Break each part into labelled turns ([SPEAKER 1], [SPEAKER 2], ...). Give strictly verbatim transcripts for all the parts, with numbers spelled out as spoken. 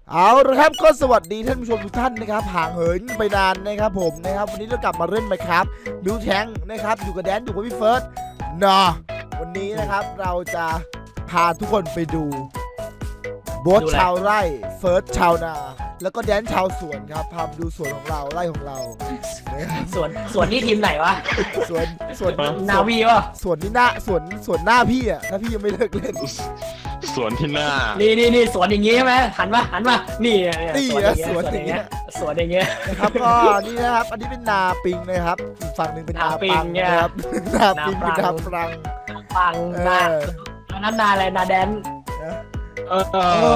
[SPEAKER 1] เอาละครับก็สวัสดีท่านผู้ชมทุกท่านนะครับห่างเหินไปนานนะครับผมนะครับวันนี้เรากลับมาเล่นไหมครับมิวแทงนะครับอยู่กับแดนอยู่กับพี่เฟิร์สนะวันนี้นะครับเราจะพาทุกคนไปดูโบ๊ทชาวไร่เฟิร์สชาวนาแล้วก็แดนชาวสวนครับพาไปดูสวนของเราไร่ของเรา
[SPEAKER 2] สวนสวนนี่ทีมไหนวะ
[SPEAKER 1] สวนสวน
[SPEAKER 2] นาวีวะ
[SPEAKER 1] สวนนี่หน้าสวนสวนหน้าพี่อ่ะถ้าพี่ยังไม่เลิกเล่น
[SPEAKER 3] สวนที่หน้า
[SPEAKER 2] นี่นี่นี่สวนอย่างงี้ใช่ไหมหันมาหันมานี่
[SPEAKER 1] นี่สวนอย่างเงี้ย
[SPEAKER 2] สวนอย่างเงี้ย
[SPEAKER 1] นะครับก็นี่นะครับอันนี้เป็นนาปิงนะครับอีกฝั่งหนึ่งเป็นนาปังนะครับนาปิงเป็นนาปรัง
[SPEAKER 2] ปังนาอันนั้นนาอะไรนาแดน
[SPEAKER 3] เออ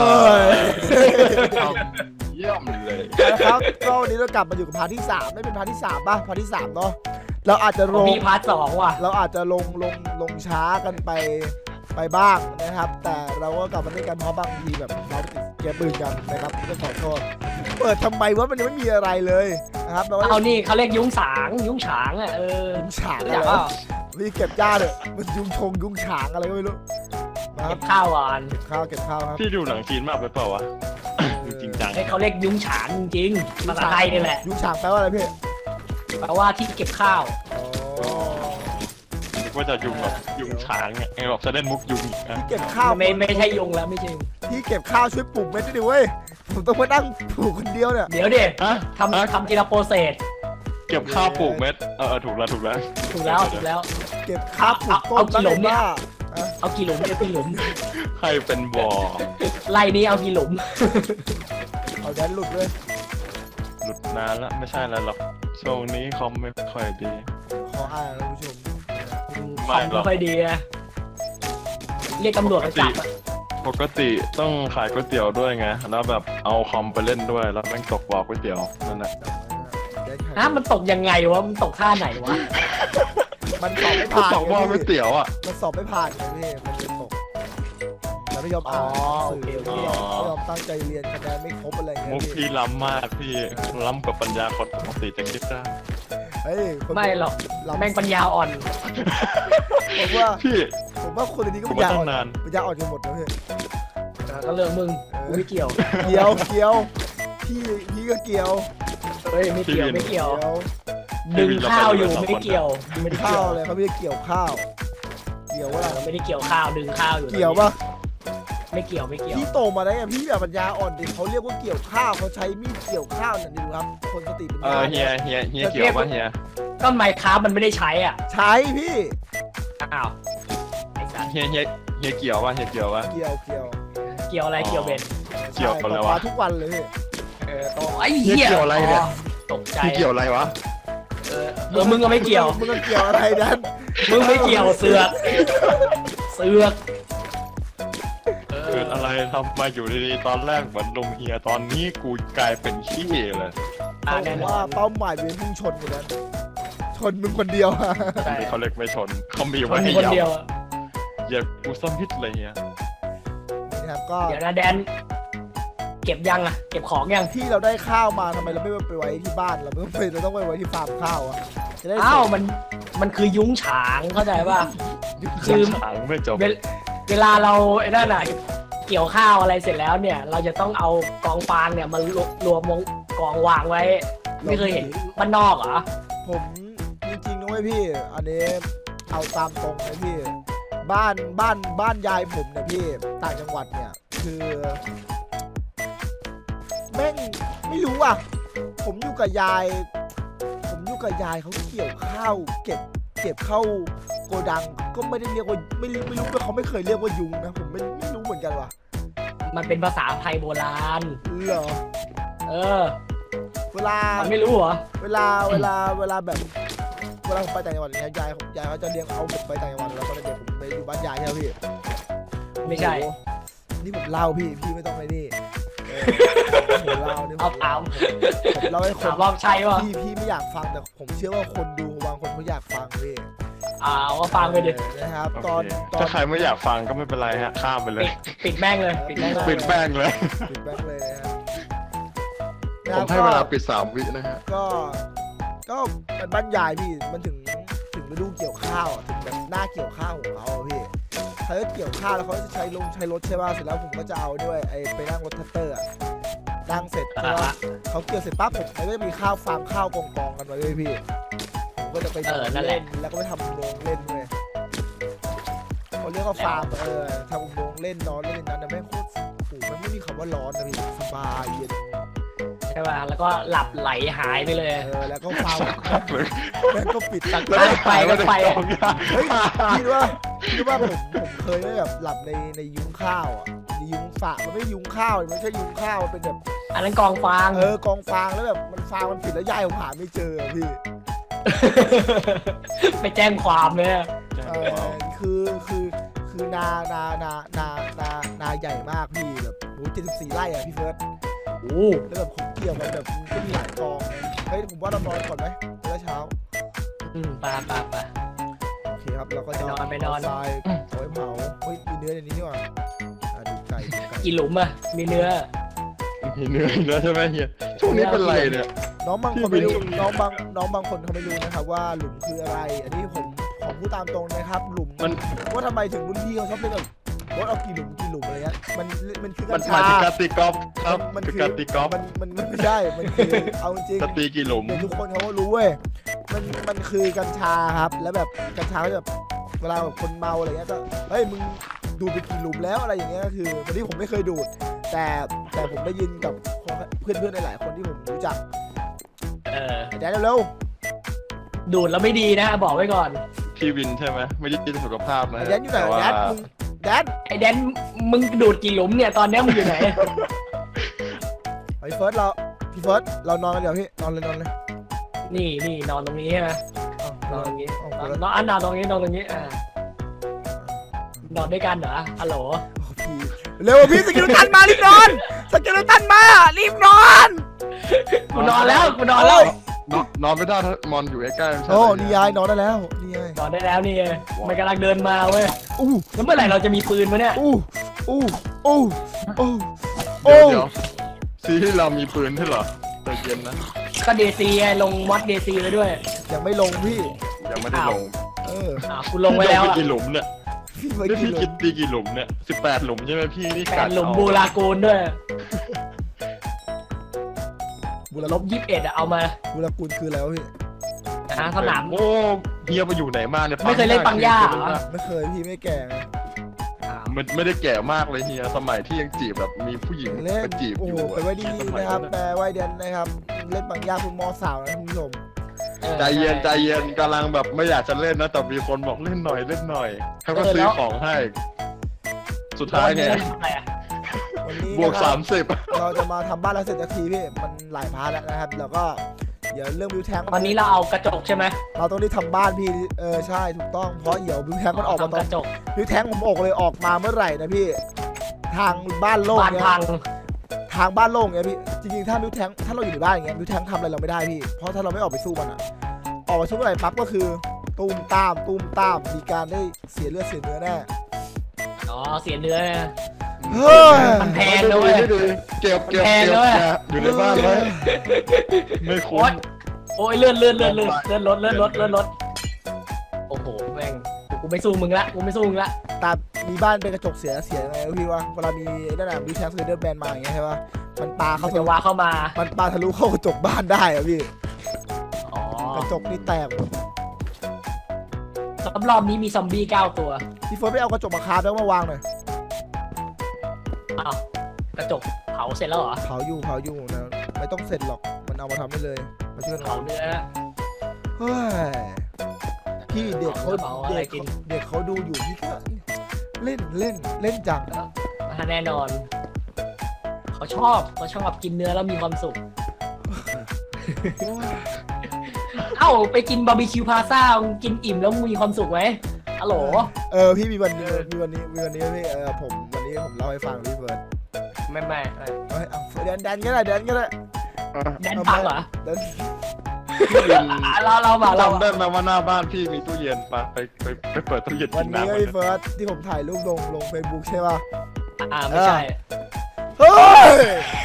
[SPEAKER 3] เยี่ยมเลย
[SPEAKER 1] นะครับก็วันนี้เรากลับมาอยู่กับพาร์ทที่สามไม่เป็นพาร์ทที่สามป่ะพาร์ทที่สามเนาะเราอาจจะลง
[SPEAKER 2] มีพาร์ทสองว่ะ
[SPEAKER 1] เราอาจจะลงลงลงช้ากันไปไปบ้างนะครับแต่เราก็กลับมาเล่นกันเพราะบางทีแบบเราติดเกมปืนกันนะครับก็ขอโทษเปิดทำไมวะมันยังไม่มีอะไรเลยนะครับ
[SPEAKER 2] เอานี่เขาเรียกยุ้งฉางยุ้งฉางอ่ะเออ
[SPEAKER 1] ยุ้งฉางอะไรนี่เก็บหญ้าเลยมันยุ้งชงยุ้งฉางอะไรก็ไม่รู้
[SPEAKER 2] เก็บข้าวก่อน
[SPEAKER 1] เก็บข้าวเก็บข้าวครับ
[SPEAKER 3] พี่ดูหนังจีนมากไปเปล่าวะจริงจัง
[SPEAKER 2] เขาเรียกยุ้งฉางจริงภาษาไทยนี่แหละ
[SPEAKER 1] ยุ้งฉางแปลว่าอะไรพี่
[SPEAKER 2] แปลว่าที่เก็บข้าว
[SPEAKER 3] ว่าจะยุงแบบยุงช้างไงแบบจะเล่นมุกยุง
[SPEAKER 1] ที่เก็บข้าว
[SPEAKER 2] ไม่ไม่ใช่ยุงแล้วไม่ใช่
[SPEAKER 1] ที่เก็บข้าวช่วยปลูกเม็ดด้วยดิเว้ยผมต้องมานั่งปลูกคนเดียวเนี่ย
[SPEAKER 2] เดี๋ยวเด็ทำทำทีละโปรเซส
[SPEAKER 3] เก็บข้าวปลูกเม็ดเออถูกแล้วถูกแล้ว
[SPEAKER 2] ถูกแล้วถูกแล้ว
[SPEAKER 1] เก็บข้าวปลูกต้น
[SPEAKER 2] เอากี่หลุมเนี่ยเอากี่หลุมเนี่ยกี่หลุม
[SPEAKER 3] ใครเป็นบ่อ
[SPEAKER 2] ไล่นี้เอากี่หลุม
[SPEAKER 1] เอาแดนหลุดเลย
[SPEAKER 3] หลุดนานแล้วไม่ใช่แล้วหรอกช่วงนี้คอมไม่ค่อยดี
[SPEAKER 1] ขออ่านท่านผู้ชม
[SPEAKER 2] ไม่หรอกไม่ค่อยดีอะเรียกตำรวจมาจับ
[SPEAKER 3] ปกติต้องขายก๋วยเตี๋ยวด้วยไงแล้วแบบเอาคอมไปเล่นด้วยแล้วแม่งตกบ่อก๋วยเตี๋ยวนั่นแหละ
[SPEAKER 2] ฮะมันตกยังไงวะมันตกท่าไหนวะ
[SPEAKER 1] มันสอบไม่ผ่าน
[SPEAKER 3] ตกบ่อก๋วยเตี๋ยวอ่ะ
[SPEAKER 1] มันสอบไม่ผ่านไงพี่มันเลยตกแล้วไม่ยอมอ่านสื่อไม่ยอมตั้งใจเรียนคะแนนไม่ครบอะไรเงี้ย
[SPEAKER 3] มุกพี่ล้ำมากพี่ล้ำกับปัญญาคนปกติจะคิดได้
[SPEAKER 2] ไม่หรอกแม่งปัญญาอ่อน
[SPEAKER 1] ผมว่า
[SPEAKER 3] พี่
[SPEAKER 1] ผมว่าคนนี้ก็ปัญญาอ่อนปัญญาอ่อนกันหมดนะพี่
[SPEAKER 2] ก็เรื่องมึงกูไม่เกี่ยว
[SPEAKER 1] เกี่ยวเกี่ยวพี่พี่ก็เกี่ยว
[SPEAKER 2] เฮ้ยไม่เกี่ยวไม่เกี่ยวดึงข้าวอยู่ไม่เกี่ยว
[SPEAKER 1] ไม่ได้ข้าวเลยเขาไม่ได้เกี่ยวข้าวเกี่ยวว่า
[SPEAKER 2] เราไม่ได้เกี่ยวข้าวดึงข้าวอยู่
[SPEAKER 1] เกี่ยวปะ
[SPEAKER 2] ไม่เกี่ยวไม่เกี่ยว
[SPEAKER 1] พี่โตมาได้ไงพี่แบบปัญญาอ่อนดิเขาเรียกว่าเกี่ยวข้าวเขาใช้มีดเกี่ยวข้าวเนี่ยดูครับคนสติปัญญา
[SPEAKER 3] เออเฮียเฮียเฮียเกี่ยวปะเฮีย
[SPEAKER 2] ก็ไมค์ค้ามันไม่ได้ใช้อ่ะ
[SPEAKER 1] ใช้พี่
[SPEAKER 2] อ้าว
[SPEAKER 3] เฮียเฮียเฮียเกี่ยวปะเฮียเกี่ยวปะ
[SPEAKER 1] เกี่ยวเกี่ยว
[SPEAKER 2] เกี่ยวอะไรเกี่ยวเบน
[SPEAKER 3] เกี่ยวอะไรวะ
[SPEAKER 1] ทุกวันเลย
[SPEAKER 2] เออโตไอ้เหี้ย
[SPEAKER 3] เกี่ยวอะไรเนี่ย
[SPEAKER 2] ตกใจ
[SPEAKER 3] เกี่ยวอะไรวะ
[SPEAKER 2] เออเออมึงก็ไม่เกี่ยว
[SPEAKER 1] มึงก็เกี่ยวอะไรนั่น
[SPEAKER 2] มึงไม่เกี่ยวเสือกเสือก
[SPEAKER 3] เกิดอะไรทำมาอยู่ดีๆตอนแรกเหมือนลุงเฮียตอนนี้กูกลายเป็นขี้เลย
[SPEAKER 1] เพราะว่าเป้าหมายเป็นพุ่งชนอยู่นั้นชนมึงคนเดียว
[SPEAKER 3] เขาเล็กไม่ชนเขามีไว้ให้เดียวอย่ากูซ้ำพิษเลยเฮีย
[SPEAKER 1] นะครับก็
[SPEAKER 2] เดี๋ยวนะแดนเก็บยังอะเก็บของยัง
[SPEAKER 1] ที่เราได้ข้าวมาทำไมเราไม่ไปไว้ที่บ้านเราไม่ไปเราต้องไปไว้ที่ฟาร์มข้าวอะ
[SPEAKER 2] อ้าวมันมันคือยุ้งฉางเข้าใจป่ะ
[SPEAKER 3] คือฉางไม่จบ
[SPEAKER 2] เวลาเราไอ้นั่นน่ะเกี่ยวข้าวอะไรเสร็จแล้วเนี่ยเราจะต้องเอากองฟางเนี่ยมารวมวงกองวางไว้ไม่เคยเห็นบ้านนอกเหรอ
[SPEAKER 1] ผมจริงๆนะเว้ยพี่อันนี้เอาตามตรงเลยพี่บ้านบ้านบ้านยายผมเนี่ยพี่ต่างจังหวัดเนี่ยคือแม่งไม่รู้อ่ะผมอยู่กับยายผมอยู่กับยายเขาเกี่ยวข้าวเก็บเก็บเข้าโกดังก็ไม่ได้เรียกว่าไม่รู้ไม่รู้ว่าเขาไม่เคยเรียกว่ายุงนะผมไม่ไม่รู้เหมือนกันว่ะ
[SPEAKER 2] มันเป็นภาษาไทยโบราณ
[SPEAKER 1] เหรอ
[SPEAKER 2] เออ
[SPEAKER 1] เวลา
[SPEAKER 2] ไม่รู้เหรอ
[SPEAKER 1] เวลาเวลาเวลาแบบเวลาผมไปต่างจังหวัดเนี่ยยายยายเขาจะเลี้ยงเอาผมไปต่างจังหวัดแล้วตอนเด็กผมไปอยู่บ้านยายใช่ไหมพี่
[SPEAKER 2] ไม่ใช่
[SPEAKER 1] นี่ผมเล่าพี่พี่ไม่ต้องไปนี่ผมเล่าเนี่ย
[SPEAKER 2] เอาถาม
[SPEAKER 1] ผมเล่าให้คน
[SPEAKER 2] รอบใช่ป่ะ
[SPEAKER 1] พี่พี่ไม่อยากฟังแต่ผมเชื่อว่าคนดูบางคนเขาอยากฟังพี่
[SPEAKER 2] อ่าก็ฟังไปดิ
[SPEAKER 1] นะครับตอน
[SPEAKER 3] ถ้าใครไม่อยากฟังก็ไม่เป็นไรฮะข้ามไปเลย
[SPEAKER 2] ปิดแม่งเลยปิดแม่ง
[SPEAKER 3] ปิดแป้งเลย
[SPEAKER 1] ปิดแป้งเลย
[SPEAKER 3] นะผมให้เวลาปิดสามวินะฮะ
[SPEAKER 1] ก็ก็เป็นบ้านยายพี่มันถึงถึงฤดูเกี่ยวข้าวถึงแบบหน้าเกี่ยวข้าวของเขาพี่เขาจะเกี่ยวข้าวแล้วเขาจะใช้ลงใช้รถใช่ป่ะเสร็จแล้วผมก็จะเอาด้วยไอ้ไปนั่งรถแท็กเตอร์นั่งเสร็จ
[SPEAKER 2] อ่า
[SPEAKER 1] ใช่ปะ
[SPEAKER 2] ฮะ
[SPEAKER 1] เขาเกี่ยวเสร็จปั๊บผมมันก็จะมีข้าวฟาร์มข้าวกองกองๆกันไว้เลยพี่ผมก็จะไป
[SPEAKER 2] เออนั่นแห
[SPEAKER 1] เล่
[SPEAKER 2] ละ
[SPEAKER 1] นแล้วก็ไปทำอุโมงค์เล่นเลยเขาเรียกว่าฟาร์มเออทำอุโมงค์เล่นนอนเล่นในนั้นนะแม่งโคตรโอ้โหมันไม่มีคำว่าร้อนนะพี่สบายเย็น
[SPEAKER 2] ใช่ป่ะแล้วก็หลับไหลหายไปเลย
[SPEAKER 1] เออแล้วก็ฟาร์มแม่งก็ปิดตัง
[SPEAKER 2] แล้วก็ไปก็ไป
[SPEAKER 1] เฮ้ยคิดว่าคิดว่าผมผมเคยได้แบบหลับในในยุ้งข้าวอ่ะในยุ้งฝามันไม่ใช่ยุ้งข้าวมันไม่ใช่ยุ้งข้าวมันเป็นแบบ
[SPEAKER 2] อันนั้นกองฟาง
[SPEAKER 1] เออกองฟางแล้วแบบมันฟางมันปิดแล้วย่ายผมหาไม่เจออะพี่
[SPEAKER 2] ไปแจ้งความเลย
[SPEAKER 1] เออคือคือคือนานานานานานาใหญ่มากพี่แบบโอ้เจ็ดสิบสี่ไร่อะพี่เฟิร์ส
[SPEAKER 2] โอ้
[SPEAKER 1] แล้วแบบผมเกี่ยวกันแบบก็มีหลายกองเฮ้ยผมว่าเรานอนก่อนไหมเมื่อเช้า
[SPEAKER 2] อืมไปไปไป
[SPEAKER 1] โอเคครับเราก็จะ
[SPEAKER 2] ไปนอนไปนอน
[SPEAKER 1] เาทรายเอาไว้เผาเฮ้ยมีเนื้อในนี้นี่หว่าอ่ะดูไก่ดูไก่
[SPEAKER 2] กี่หลุมอะมีเนื้อ
[SPEAKER 3] มีเนื้ออีกแล้วใช่ไหมเฮียช่วงนี้เป็นไรเนี่ย
[SPEAKER 1] น้องบางคนไม่รู้
[SPEAKER 3] ที่เป็น
[SPEAKER 1] น้องบางน้องบางคนเขาไม่รู้นะครับว่าหลุมคืออะไร อันนี้ผมผมพูดตามตรงนะครับหลุม
[SPEAKER 3] มัน
[SPEAKER 1] ว่าทำไมถึงรุ่นพี่เขาชอบเล่นแบบโค้ดเอากี่หลุมกี่หลุมอะไรเงี้ยมันมันคือ
[SPEAKER 3] มั
[SPEAKER 1] กั
[SPEAKER 3] น
[SPEAKER 1] ญ
[SPEAKER 3] หมาย
[SPEAKER 1] ชา
[SPEAKER 3] ถึงการตีกอล์ฟครับ
[SPEAKER 1] มัน
[SPEAKER 3] คือ
[SPEAKER 1] คือ
[SPEAKER 3] การตีกอล์ฟ
[SPEAKER 1] มันมันมันไม่ได้มันคือเอาจริง
[SPEAKER 3] จะตีกี่หลุม
[SPEAKER 1] เดี๋ยวทุกคนเขาก็รู้เว้ยมันมันคือกัญชาครับแล้วแบบกัญชาก็จะแบบเวลาแบบคนเมาอะไรเงี้ยก็เฮ้ยมึงดูดไปกี่หลุมแล้วอะไรอย่างเงี้ยก็คือวันนี้ผมไม่เคยดูด แต่แต่ผมได้ยินกับเพื่อนเพื่อนๆหลายๆคนที่ผมรู้จัก
[SPEAKER 2] เออ
[SPEAKER 1] แดนเร็ว
[SPEAKER 2] ดูดแล้วไม่ดีนะบอกไว้ก่อน
[SPEAKER 3] พี่วินใช่ไหมไม่ได้กินสุขภาพ
[SPEAKER 1] ๆ
[SPEAKER 3] นะ
[SPEAKER 1] ไอ้แดนอยู่ไหน
[SPEAKER 3] แต่ว่า
[SPEAKER 1] แดนมึงแดน
[SPEAKER 2] ไอ้แดนมึงดูดกี่หลุมเนี่ยตอนเนี้ยมึงอยู่ไหน
[SPEAKER 1] ไอ้เฟิร์สเราพี่เฟิร์สเรานอนกันเดี๋ยวพี่นอนเลยนอนเลย
[SPEAKER 2] นี่นี่นอนตรงนี้ใช่ไหม
[SPEAKER 1] เอา
[SPEAKER 2] นอนตรงนี้
[SPEAKER 1] เอา
[SPEAKER 2] น
[SPEAKER 1] เอา
[SPEAKER 2] อน
[SPEAKER 1] เอา
[SPEAKER 2] นอนอันนอนตรงนี้นอนตรงนี้อ่านอนด้วยกันเหรอฮัลโหล
[SPEAKER 1] พี่เร็วพี่สกิลตันมารีบนอนสกิลตันมารีบนอน
[SPEAKER 2] กูนอนแล้วกูนอนแล้ว
[SPEAKER 3] นอนนอนไม่ได้ถ้ามอนอยู่ใกล้ๆไม่ใช่
[SPEAKER 1] โอ้
[SPEAKER 3] เหร
[SPEAKER 1] นี่ยายนอนได้แล้วนี่ยาย
[SPEAKER 2] นอนได้แล้วนี่มันกำลังเดินมาเว้ย
[SPEAKER 1] อู้
[SPEAKER 2] แล้วเมื่อไหร่เราจะมีปืนวะเนี่ย
[SPEAKER 1] อู้อู้อู้อู้
[SPEAKER 3] เดี๋
[SPEAKER 1] อู้
[SPEAKER 3] ยวเดี๋ยวซีที่เรามีปืนใช่เหรอใจเย็นนะ
[SPEAKER 2] ก็เดซีไงลงมอดเดซีไว้ด้วย
[SPEAKER 1] ยังไม่ลงพี่
[SPEAKER 3] ยังไม่ได้ลง
[SPEAKER 1] เออ
[SPEAKER 2] อ่าคุณลงไว้แล้ว
[SPEAKER 3] พี่
[SPEAKER 2] อะ
[SPEAKER 3] กี่หลุมเนี่ย
[SPEAKER 1] พี่ไป
[SPEAKER 3] นี่
[SPEAKER 1] กิน
[SPEAKER 3] พี่
[SPEAKER 1] เล
[SPEAKER 3] คิ
[SPEAKER 1] ย
[SPEAKER 3] ดตีกี่หลุมเนี่ยสิบแปดหลุมใช่ไหมพี่นี่
[SPEAKER 2] แป
[SPEAKER 3] กั
[SPEAKER 2] ด
[SPEAKER 3] ด
[SPEAKER 2] หลุม
[SPEAKER 3] เอา
[SPEAKER 2] บูรากูลด้วย
[SPEAKER 1] บุร
[SPEAKER 2] ล
[SPEAKER 1] ล
[SPEAKER 2] บบ ยี่สิบเอ็ดอะเอามา
[SPEAKER 1] บุรกุลคืออะไรวะพี่
[SPEAKER 2] นะสนาม
[SPEAKER 3] โอ้เฮียไปอยู่ไหนมาเนี่ย
[SPEAKER 2] ไม่เคยเล่นปังย่าเหรอ
[SPEAKER 1] ไม่เคยพี่ไม่แก่ไง
[SPEAKER 3] มันไม่ได้แก่มากเลยเฮียสมัยที่ยังจีบแบบมีผู้หญิง
[SPEAKER 1] เล่น
[SPEAKER 3] มาจีบ
[SPEAKER 1] โอ้
[SPEAKER 3] อ
[SPEAKER 1] โห
[SPEAKER 3] ยู่
[SPEAKER 1] ไปไว้ดี
[SPEAKER 3] สมัย
[SPEAKER 1] นะครับ
[SPEAKER 3] นั้น
[SPEAKER 1] แต่ไว้เดนนะครับเล่นบางยาคุณมอสาวนะคุณผู้ชม
[SPEAKER 2] ออ
[SPEAKER 3] ใจเย็นใจเย็นกำลังแบบไม่อยากจะเล่นนะแต่มีคนบอกเล่นหน่อยเล่นหน่อยเขาก็ซื้อของให้ สุดท้ายไง
[SPEAKER 2] เล่นทำไมอะ
[SPEAKER 1] วันนี้
[SPEAKER 3] บวก
[SPEAKER 1] นะครับ
[SPEAKER 3] สามสิบ
[SPEAKER 1] เราจะมาทำบ้านแล้วเสร็จสักทีพี่มันหลายพาร์ทแล้วนะครับแล้วก็เดี๋ยวเรื่องวิวแทง
[SPEAKER 2] ตอนนี้เราเอากระจกใช่ไหม
[SPEAKER 1] เราต้องรีบทำบ้านพี่เออใช่ถูกต้องเพราะเดี๋ยววิวแทงมันออกมาต
[SPEAKER 2] ทำ
[SPEAKER 1] อก น
[SPEAKER 2] ระจก
[SPEAKER 1] วิวแทงผมออกเลยออกมาเมื่อไหร่นะพี่ทางบ้านโล่ง
[SPEAKER 2] บ้าน
[SPEAKER 1] เนี่ย
[SPEAKER 2] พัง
[SPEAKER 1] ทางบ้านโล่งเนี่ยพี่จริงๆถ้าวิวแทงถ้าเราอยู่ในบ้านอย่างเงี้ยวิวแทงทำอะไรเราไม่ได้พี่เพราะถ้าเราไม่ออกไปสู้มันอะออกไปสู้เมื่อไหร่ปั๊บก็คือตูมตามตูมตามมีการได้เสียเลือดเสียเนื้อแน่
[SPEAKER 2] อ๋อเสียเนื้อนะ
[SPEAKER 1] เฮ้ย
[SPEAKER 2] มันแพงนะเว้ย
[SPEAKER 3] ไม่ดีเก็บเก็บ
[SPEAKER 2] แพง
[SPEAKER 3] เก็บ
[SPEAKER 2] นะเว้ย
[SPEAKER 3] อยู่ในบ้านไว้ไม่คุ้
[SPEAKER 2] โอ๊
[SPEAKER 3] ม
[SPEAKER 2] ยโอ้ยเลื่อนเลื่อนเลื่อนเลื่อนเลื่อนรถเลื่อนรถเลื่อนรถโอ้โหแม่งกูไม่สู้มึงละกูไม่สู้มึงละ
[SPEAKER 1] ตามมีบ้านเป็นกระจกเสียเสียยังไงวะพี่วะเวลามีนั่นน่ะวิวแทงเซอร์เดอร์แบนมาอย่างเงี้ยใช่ปะมันปา
[SPEAKER 2] เขา
[SPEAKER 1] เข้า
[SPEAKER 2] จะว่าเข้ามา
[SPEAKER 1] มันปาทะลุเข้ากระจกบ้านได้อะพี่
[SPEAKER 2] อ๋อก
[SPEAKER 1] ระจกนี่แตกหมด
[SPEAKER 2] รอบๆนี้มีซอมบี้เก้าตัว
[SPEAKER 1] พี่เฟิร์สไปเอากระจกมาคาบแล้วมาวางหน่อย
[SPEAKER 2] อ้าวกระจกเผาเสร็จแล้วเหรอ
[SPEAKER 1] เผาอยู่เผาอยู่นะไม่ต้องเสร็จหรอกมันเอามาทำได้เลยมาช่วยกัน
[SPEAKER 2] เผาเนื้อ
[SPEAKER 1] เฮ้ยพี่เด็กเขา
[SPEAKER 2] เผาอะไร
[SPEAKER 1] เด็ก
[SPEAKER 2] กิน
[SPEAKER 1] เขาเด็กเขาดูอยู่พี่ก็เล่นเล่นเล่นจัง
[SPEAKER 2] อ่าแน่นอน เขาชอบเขาชอบกินเนื้อแล้วมีความสุข เอ้าไปกินบาร์บีคิวพาซ่ากินอิ่มแล้วมีความสุขไหมฮัลโหล
[SPEAKER 1] เออพี่มีวันนี้มีวันนี้มีวันนี้พี่เออผมวันนี้ผมเล่าให้ฟังพี่เฟิร์ส
[SPEAKER 2] ไม่ไม่ไม่
[SPEAKER 1] เฮ้ยเอาแดนแดนก็ได้แดนก็ได้
[SPEAKER 2] แดนพังเหรอ
[SPEAKER 1] แดน
[SPEAKER 3] พี่วิน
[SPEAKER 2] อ่ะเราเรามาเรา
[SPEAKER 3] จำได้ไหมว่าหน้าบ้านพี่มีตู้เย็นปะไปไปไปเปิดตู้เย็น
[SPEAKER 1] วั
[SPEAKER 3] กิ
[SPEAKER 1] น
[SPEAKER 3] น
[SPEAKER 1] นี้
[SPEAKER 3] น้ำ
[SPEAKER 1] ก็
[SPEAKER 3] กัน
[SPEAKER 1] พี่เฟิร์สที่ผมถ่ายรูปลงลงเฟซบุ๊กใช่ป่ะ
[SPEAKER 2] อ่าไม่ใช่
[SPEAKER 1] เฮ้ย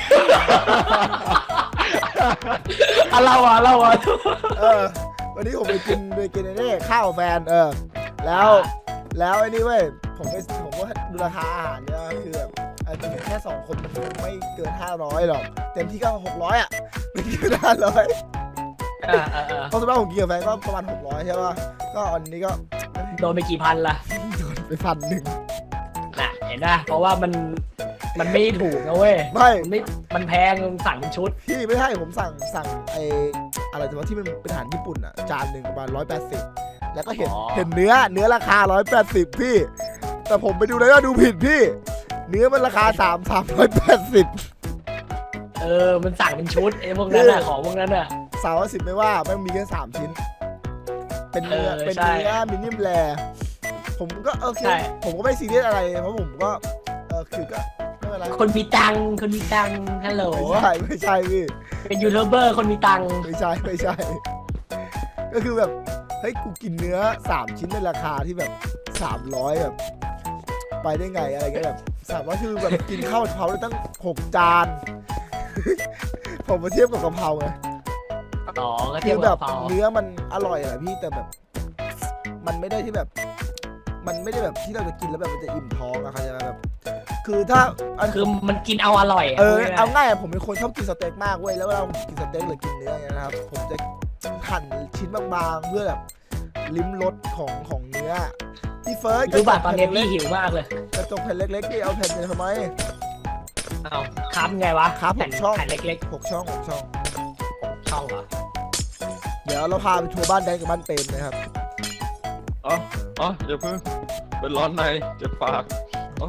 [SPEAKER 2] อ่ะเราอ่ะเราอ่ะ
[SPEAKER 1] เออวันนี้ผมไปกินไปกินไอ้นี่ข้าวแฟนเออแล้วแล้วไอ้นี่เว้ยผมไปผมก็ดูราคาอาหารเนี่ยคือแบบอันนี้แค่สองคนมันคงไม่เกินห้าร้อยหรอกเต็มที่ก็หกร้อยอ่ะไม่เกินห้าร้อย
[SPEAKER 2] อ่าอ่าอ่า
[SPEAKER 1] เพราะสมมติผมกินกับแฟนก็ประมาณหกร้อยใช่ป่ะก็อันนี้ก็
[SPEAKER 2] โดนไปกี่พันล่ะ
[SPEAKER 1] โดนไปพันหนึ่ง
[SPEAKER 2] น่ะเห็นนะเพราะว่ามันมันไม่ถูกนะเว้ย
[SPEAKER 1] ไม่
[SPEAKER 2] มันไม่มันแพงสั่งเป็นชุด
[SPEAKER 1] พี่ไม่ใช่ผมสั่งสั่งไออะไรแต่ว่าที่มันเป็นอาหารญี่ปุ่นอ่ะจานหนึ่งประมาณร้อยแปดสิบแล้วก็เห็น
[SPEAKER 2] อ๋อ
[SPEAKER 1] เห็นเนื้อเนื้อราคาร้อยแปดสิบพี่ แต่ผมไปดูแล้วก็ดูผิดพี่ เนื้อมันราคาสามสามร้อยแปดสิบ
[SPEAKER 2] เออมันสั่งเป็นชุดไอ้พวกนั้นน่ะของพวกนั้นน่ะ
[SPEAKER 1] สามร้อยสิบไม่ว่าแม่งมีแค่สามชิ้น เป็นเนื้อ
[SPEAKER 2] เออ
[SPEAKER 1] เป็น
[SPEAKER 2] ใช่
[SPEAKER 1] เนื้อมินิมแรผมก็โอเค
[SPEAKER 2] ใช่
[SPEAKER 1] ผมก็ไม่ซีเรียสอะไรเพราะผมก็เออคือก็ไม่เป็นไร
[SPEAKER 2] คนมีตังค์คนมีตังค์ฮัลโหล
[SPEAKER 1] ไม่ใช่ไม่ใช่พี่
[SPEAKER 2] เป็นยูทูบเบอร์คนมีตังค์
[SPEAKER 1] ไม่ใช่ไม่ใช่ ก็คือแบบเฮ้ยกูกินเนื้อสามชิ้นในราคาที่แบบสามร้อยแบบ ไปได้ไงอะไรเงี้ยแบบสามร้อยคือแบบกินข้าวกะเพราได้ตั้งหกจาน ผมมาเทียบกับกะเพราไง
[SPEAKER 2] อ๋อก็
[SPEAKER 1] คื
[SPEAKER 2] เทียบ
[SPEAKER 1] อ
[SPEAKER 2] กั
[SPEAKER 1] แบบ บ
[SPEAKER 2] เผา
[SPEAKER 1] เนื้อมันอร่อยแหละพี่แต่แบบ มันไม่ได้ที่แบบ มันไม่ได้แบบที่เราจะกินแล้วแบบมันจะอิ่มท้องอะครับแบบ คือถ้าอัน
[SPEAKER 2] คือมันกินเอาอร่อยะ
[SPEAKER 1] เออ
[SPEAKER 2] พูดง่ยๆ
[SPEAKER 1] เอาง่ายอะผมเป็นคนชอบกินสเต็กมากเว้ยแล้วเวลาผมกินสเต็กหรือกินเนื้ออย่างเงี้ยนะครับผมจะหั่นชิ้นบางๆเพื่อแบบลิ้มรสของของเนื้อพี่เฟิร์ส
[SPEAKER 2] รู้ป่ะตอนนี้
[SPEAKER 1] เล็
[SPEAKER 2] พี่
[SPEAKER 1] ก
[SPEAKER 2] หิวมากเลย
[SPEAKER 1] กระจกแผ่นเล็กๆพี่เอาแผ่นไปทำไม
[SPEAKER 2] เอาครับไงวะ
[SPEAKER 1] ครับผม
[SPEAKER 2] แผ่น
[SPEAKER 1] ช่อง
[SPEAKER 2] แผ่นเล็ก
[SPEAKER 1] หกช่องหกช่อง
[SPEAKER 2] ๆช่องเหรอ
[SPEAKER 1] เดี๋ยวเราพาไปทัวร์บ้านแดงกับบ้านเปรมนะครับ
[SPEAKER 3] อ๋ออ๋ออย่าเพิ่งเป็นร้อนในเจ็บปากอ๋อ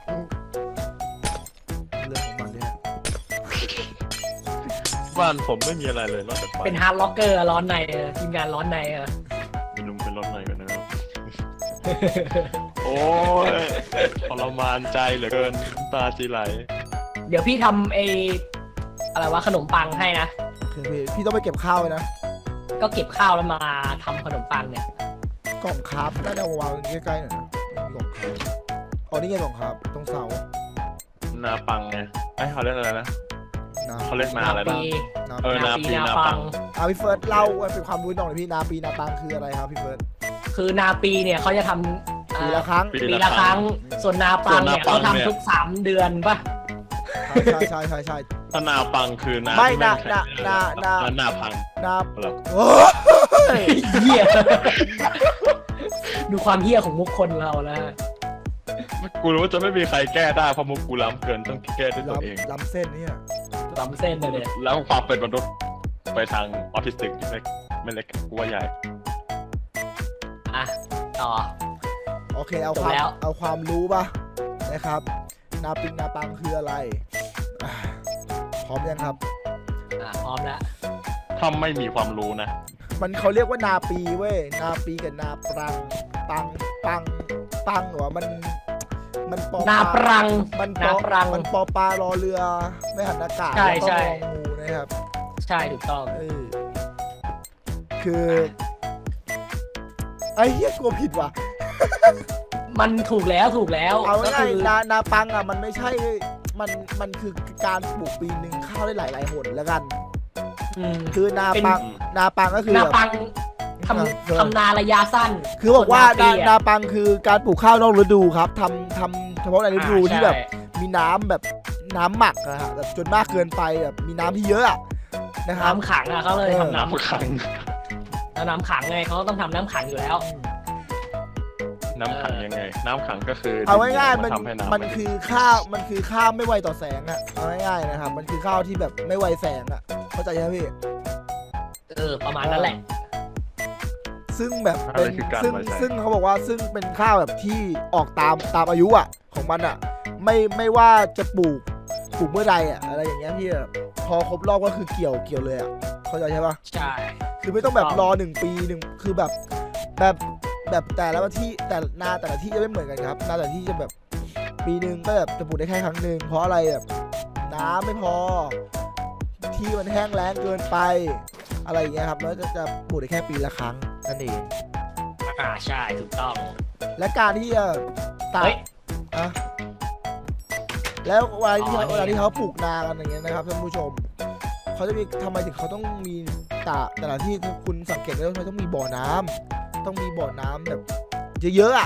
[SPEAKER 1] เรื่องของมันเนี่ย
[SPEAKER 3] บ้านผมไม่มีอะไรเลยนอกจากไฟ
[SPEAKER 2] เป็นฮาร์ดล็อกเกอร์ร้อนในเออทีมงานร้อนในเออ
[SPEAKER 3] มีลุงเป็นร้อนในกันนะครับ โอ้ยทรมานใจเหลือเกินน้ำตาจีไหล
[SPEAKER 2] เดี๋ยวพี่ทำไออะไรวะขนมปังให้นะ
[SPEAKER 1] โอเคพี่พี่ต้องไปเก็บข้าวไว้นะ
[SPEAKER 2] ก็เก็บข้าวแล้วมาทำขนมปังเนี่ย
[SPEAKER 1] กล่องคาร์บน่าจะวางใกล้ๆหน่อยนะไม่มีกล่องคาร์บอ๋อนี่ไงกล่องคาร์บตรงเสา
[SPEAKER 3] นาปังไงไอ้ยเขาเรียกอะไรนะ
[SPEAKER 1] นา
[SPEAKER 3] เขาเรียกนาอะไร
[SPEAKER 2] ปี
[SPEAKER 3] นะ
[SPEAKER 1] นา
[SPEAKER 3] เออ
[SPEAKER 2] นาปี
[SPEAKER 3] นาปี
[SPEAKER 2] นา
[SPEAKER 3] นา
[SPEAKER 2] ปั
[SPEAKER 3] ปั
[SPEAKER 2] ง
[SPEAKER 3] ง
[SPEAKER 1] อ่ะพี่เฟิร์สเล่าเป็นความรู้หน่อยพี่นาปีนาปังคืออะไรครับพี่เฟิร์ส
[SPEAKER 2] คือนาปีเนี่ยเขาจะทำอ่า
[SPEAKER 1] ปีละครั้ง
[SPEAKER 3] ปี
[SPEAKER 2] ปีละครั้ง ส่วนนาปังเนี่ย
[SPEAKER 3] ส่วนนาปั
[SPEAKER 2] เขา
[SPEAKER 3] งเนี่ย
[SPEAKER 2] ทำทุกสามเดือนป่ะ
[SPEAKER 1] ใช่ใช่ใช่ใช่
[SPEAKER 3] ถ้านาปังคือนา
[SPEAKER 1] ไม่
[SPEAKER 3] ที่
[SPEAKER 1] นา
[SPEAKER 3] แข็ง
[SPEAKER 1] นานานา
[SPEAKER 3] แล้วนาพัง
[SPEAKER 1] นา
[SPEAKER 3] เหรอ
[SPEAKER 1] โอ้ย
[SPEAKER 2] เหี้ย ดูความเหี้ยของมุกคนเราแล้ว
[SPEAKER 3] กูรู้ว่าจะไม่มีใครแก้ได้เพราะมุกกูล้ำเกินต้องแก้ด้วยตัวเอง
[SPEAKER 1] ล้ำล้ำเส้นเนี่ย
[SPEAKER 2] ล้ำเส้นเลยเนี่ย
[SPEAKER 3] แล้วความเป็นมนุษย์ไปทางออทิสติกที่ไม่ไม่เล็กกูว่าใหญ่
[SPEAKER 2] อ่ะต่อ
[SPEAKER 1] โอเคเอา
[SPEAKER 2] จ
[SPEAKER 1] ค
[SPEAKER 2] บ
[SPEAKER 1] วาม
[SPEAKER 2] แล้ว
[SPEAKER 1] เอาความรู้ป่ะนะครับ นาปิงนาปังคืออะไรอ่ะพร้อมยังครับ
[SPEAKER 2] อ่ะพร้อมแล้ว
[SPEAKER 3] ถ้าไม่มีความรู้นะ
[SPEAKER 1] มันเขาเรียกว่านาปีเว้ยนาปีกับนาปรังปังปังปังเหรอมันมันปอ
[SPEAKER 2] นาปรัง
[SPEAKER 1] มันป
[SPEAKER 2] นา
[SPEAKER 1] อ
[SPEAKER 2] ปรัง
[SPEAKER 1] มันปอปลารอเรือไม่หันอากาศ
[SPEAKER 2] ใช่
[SPEAKER 1] แล้วก็
[SPEAKER 2] ใช่
[SPEAKER 1] งองูนะครับ
[SPEAKER 2] ใช่ถูกต้อง
[SPEAKER 1] เออคือไอ้เหี้ยกลัวผิดว่ะ
[SPEAKER 2] มันถูกแล้วถูกแล้ว
[SPEAKER 1] เอา
[SPEAKER 2] ก็
[SPEAKER 1] ง่าย
[SPEAKER 2] คือ
[SPEAKER 1] ๆนานาปังอ่ะมันไม่ใช่มันมันคือการปลูกปีหนึ่งข้าวได้หลายๆหนแล้วกัน
[SPEAKER 2] อืม
[SPEAKER 1] คือนา
[SPEAKER 2] เป็น
[SPEAKER 1] ปังนาปังก็คือ
[SPEAKER 2] นา
[SPEAKER 1] แบบ
[SPEAKER 2] ปังท
[SPEAKER 1] เออ
[SPEAKER 2] ำทำนาระยะสั้น
[SPEAKER 1] คือบอกว่า
[SPEAKER 2] ส่
[SPEAKER 1] นา
[SPEAKER 2] วนปีะ
[SPEAKER 1] นาปังคือการปลูกข้าวนอกฤดูครับทำทำเฉพาะในฤดู
[SPEAKER 2] อ่า
[SPEAKER 1] ที่แบบ
[SPEAKER 2] ใช่
[SPEAKER 1] มีน้ำแบบน้ำหมักนะฮะแบบจนมากเกินไปแบบมีน้ำที่เยอะอะนะครับ
[SPEAKER 2] น้ำขังอ่ะเขาเลย
[SPEAKER 1] เออ
[SPEAKER 2] ทำน้
[SPEAKER 3] น้ำขัง
[SPEAKER 2] ำแล้วน้ำขังไงเขาก็ต้องทำน้ำขังอยู่แล้ว
[SPEAKER 3] น้ำขังยังไง น้ำขังก็คือ
[SPEAKER 1] เอาง่ายๆมัน
[SPEAKER 3] ทำให้น้ำ
[SPEAKER 1] มันคือข้าวมันคือข้าวไม่ไวต่อแสงอะเอาง่ายๆนะครับมันคือข้าวที่แบบไม่ไวแสงอะเข้าใจไหมพี่
[SPEAKER 2] เออประมาณนั้นแหละ
[SPEAKER 1] ซึ่งแบบ
[SPEAKER 3] อะไร
[SPEAKER 1] เป็น
[SPEAKER 3] คือการ
[SPEAKER 1] ซึ่ง
[SPEAKER 3] ไว้ใจ
[SPEAKER 1] ซึ่งเขาบอกว่าซึ่งเป็นข้าวแบบที่ออกตามตามอายุอะของมันอะไม่ไม่ว่าจะปลูกปลูกเมื่อใดอะอะไรอย่างเงี้ยพี่แบบพอครบรอบก็คือเกี่ยวเกี่ยวเลยอะเข้าใจใช่ปะ
[SPEAKER 2] ใช่
[SPEAKER 1] คือไม่ต้องแบบ
[SPEAKER 2] ถูกต้อง
[SPEAKER 1] รอหนึ่งปีหนึ่งคือแบบแบบแบบแต่ละที่แต่นาแต่ละที่จะไม่เหมือนกันครับนาแต่ละที่จะแบบปีหนึ่งก็แบบจะปลูกได้แค่ครั้งหนึ่งเพราะอะไรแบบน้ำไม่พอ ที่มันแห้งแล้งเกินไปอะไรอย่างเงี้ยครับแล้วจะจะปลูกได้แค่ปีละครั้งนั่นเอง
[SPEAKER 2] อ่าใช่ถูกต้อง
[SPEAKER 1] และการที่จะตัด
[SPEAKER 2] เฮ้ย
[SPEAKER 1] อะแล้วเวลาที่
[SPEAKER 2] อ๋อ
[SPEAKER 1] เขา
[SPEAKER 2] นี่
[SPEAKER 1] เวลาที่เขาปลูกนากันอย่างเงี้ยนะครับท่านผู้ชมเขาจะมีทำไมถึงเขาต้องมีตาแต่ละที่คุณสังเกตได้ว่าทำไมต้องมีบ่อน้ำต้องมีบ่อน้ำแบบเยอะๆอ่ะ